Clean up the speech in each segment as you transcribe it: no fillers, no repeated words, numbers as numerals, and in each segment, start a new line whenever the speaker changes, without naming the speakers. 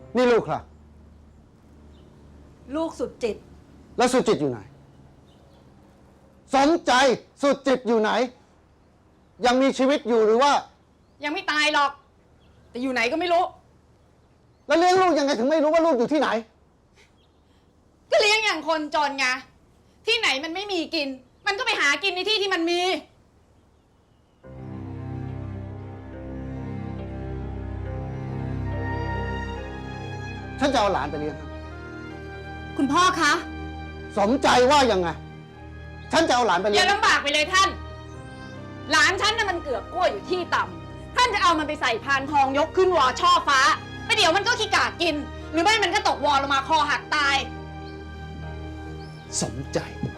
นี่ลูกค่ะ
ลูกสุดจิต
แล้วสุจิตอยู่ไหน สมใจสุจิตอยู่ไหน ยังมีชีวิตอยู่หรือว่า
ยังไม่ตายหรอก แต่อยู่ไหนก็ไม่รู้
แล้วเลี้ยงลูกยังไงถึงไม่รู้ว่าลูกอยู่ที่ไหน
ก็เลี้ยงอย่างคนจนไงที่ไหนมันไม่มีกิน มันก็ไปหากินในที่ที่มันมี
ฉันจะเอาหลานไปเลี้ยงครับ
คุณพ่อคะ
สมใจว่ายังไง ฉันจะเอาหลานไป
อ
เลี้ย
ย่าง ลำบากไปเลยท่าน หลานฉันน่ะมันเกือบกล้วยอยู่ที่ต่ำท่านจะเอามันไปใส่พานทองยกขึ้นวอช่อฟ้าไปเดี๋ยวมันก็ขี้กาดกิน หรือไม่มันก็ตกวอลงมาคอหักตาย
สมใจ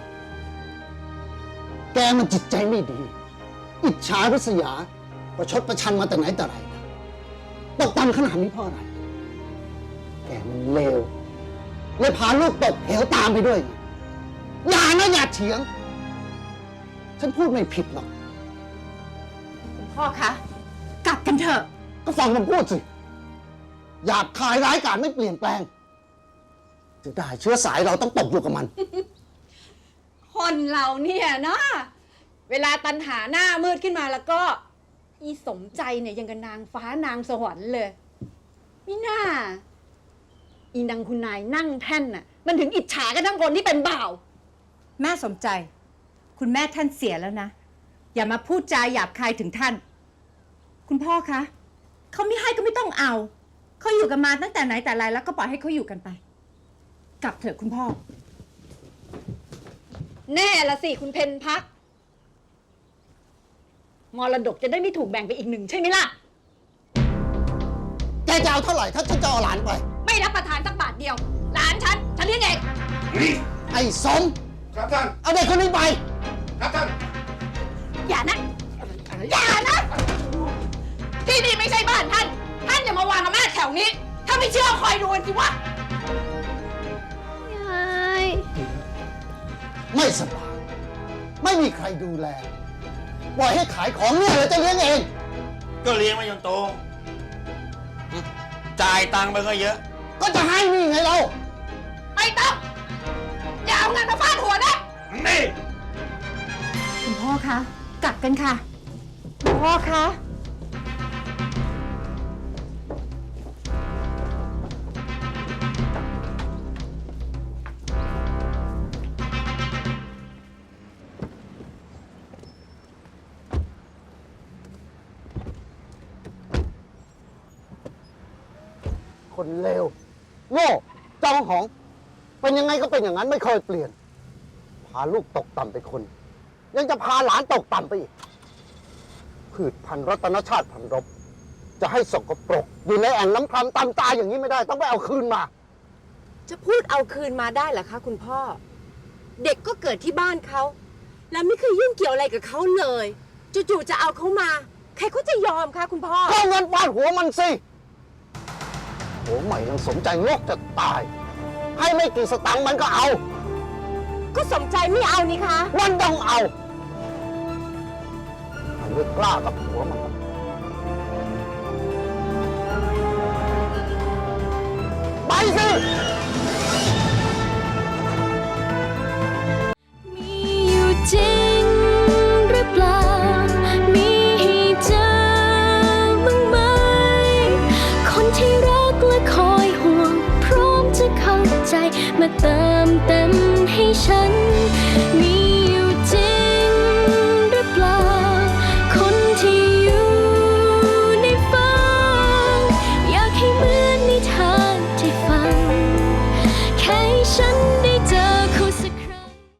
แกมันจิตใจไม่ดี อิจฉาริษยา ประชดประชันมาแต่ไหนแต่ไรนะตกต่ำขนาดนี้เพราะอะไร แกมันเลวเลยพาลูกตกเหวตามไปด้วยไงอย่านะอย่าเถียง ฉันพูดไม่ผิดหรอก
คุณพ่อคะ กลับกันเถอะ
ก็ฟังผมพูดสิหยาบคายร้ายกาจไม่เปลี่ยนแปลงจะได้เชื้อสายเราต้องตกอยู่กับมัน
คนเราเนี่ยนะเวลาตันหาหน้ามืดขึ้นมาแล้วก็ อีสมใจเนี่ยยังกับนางฟ้านางสวรรค์เลยมิน่าอีนางคุณนายนั่งแท่นน่ะมันถึงอิจฉากันทั้งคนที่เป็นบ่าว
แม่สมใจ คุณแม่ท่านเสียแล้วนะ อย่ามาพูดจาหยาบคายถึงท่าน คุณพ่อคะเขาไม่ให้ก็ไม่ต้องเอาเขาอยู่กันมาตั้งแต่ไหนแต่ไรแล้วก็ปล่อยให้เขาอยู่กันไป กลับเถอะคุณพ่อ
แน่ละสิคุณเพนพักมรดกจะได้ไม่ถูกแบ่งไปอีกหนึ่งใช่ไหมล่ะ
แกจะเอาเท่าไหร่ถ้าฉันจะเอาหลานไป
ไม่รับประทานสักบาทเดียวหลานฉันเลี้ยงเอง
ไอ้สม
ครับท่าน
เอาเด็กคนนี้ไป
ครับท่าน
อย่านะอย่านะที่นี่ไม่ใช่บ้านท่านอย่ามาวางอำนาจแถวนี้ ถ้าไม่เชื่อคอยดูกันสิวะ
ยาย
ไม่สบาย ไม่มีใครดูแล ปล่อยให้ขายของเนี่ยเลยจะเลี้ยงเอง
ก็เลี้ยงมาจนโต จ่ายตังค์ไปก็เยอะ
ก็จะให้นี่ไงเรา
ไม่ต้องอย่าเอาเงินมาฟาดหัวนะ
นี่
คุณพ่อคะ กลับกันค่ะคุณพ่อคะ
คนเลวโง่จองหอง เป็นยังไงก็เป็นอย่างนั้นไม่เคยเปลี่ยน พาลูกตกต่ำไปคน ยังจะพาหลานตกต่ำไปอีกพืชพันธุ์รัตนชาติพันธุ์รบ จะให้สกปรก อยู่ในแอ่งน้ำคำตามตายอย่างนี้ไม่ได้ ต้องไปเอาคืนมา
จะพูดเอาคืนมาได้เหรอคะคุณพ่อ เด็กก็เกิดที่บ้านเขาแล้วไม่เคยยุ่งเกี่ยวอะไรกับเขาเลยจู่ๆจะเอาเขามา ใครเขาจะยอมคะคุณพ่อ
ก็เอาเงินฟาดหัวมันสิหัวใหม่ยังสมใจงกจะตาย ให้ไม่กี่สตังค์มันก็เอา
ก็สมใจไม่เอานี่คะ
มันต้องเอามันไม่กล้ากับหัวมัน ไปสิ
มีอยู่จริงหรือเปล่า มีให้เจอบ้างไหม คนที่รักและคอยห่วง พร้อมจะเข้าใจมาเติมเต็มให้ฉัน มีอยู่จริงหรือเปล่า คนที่อยู่ในฝันอยากให้เหมือนนิทานที่ฟัง แค่ให้ฉัน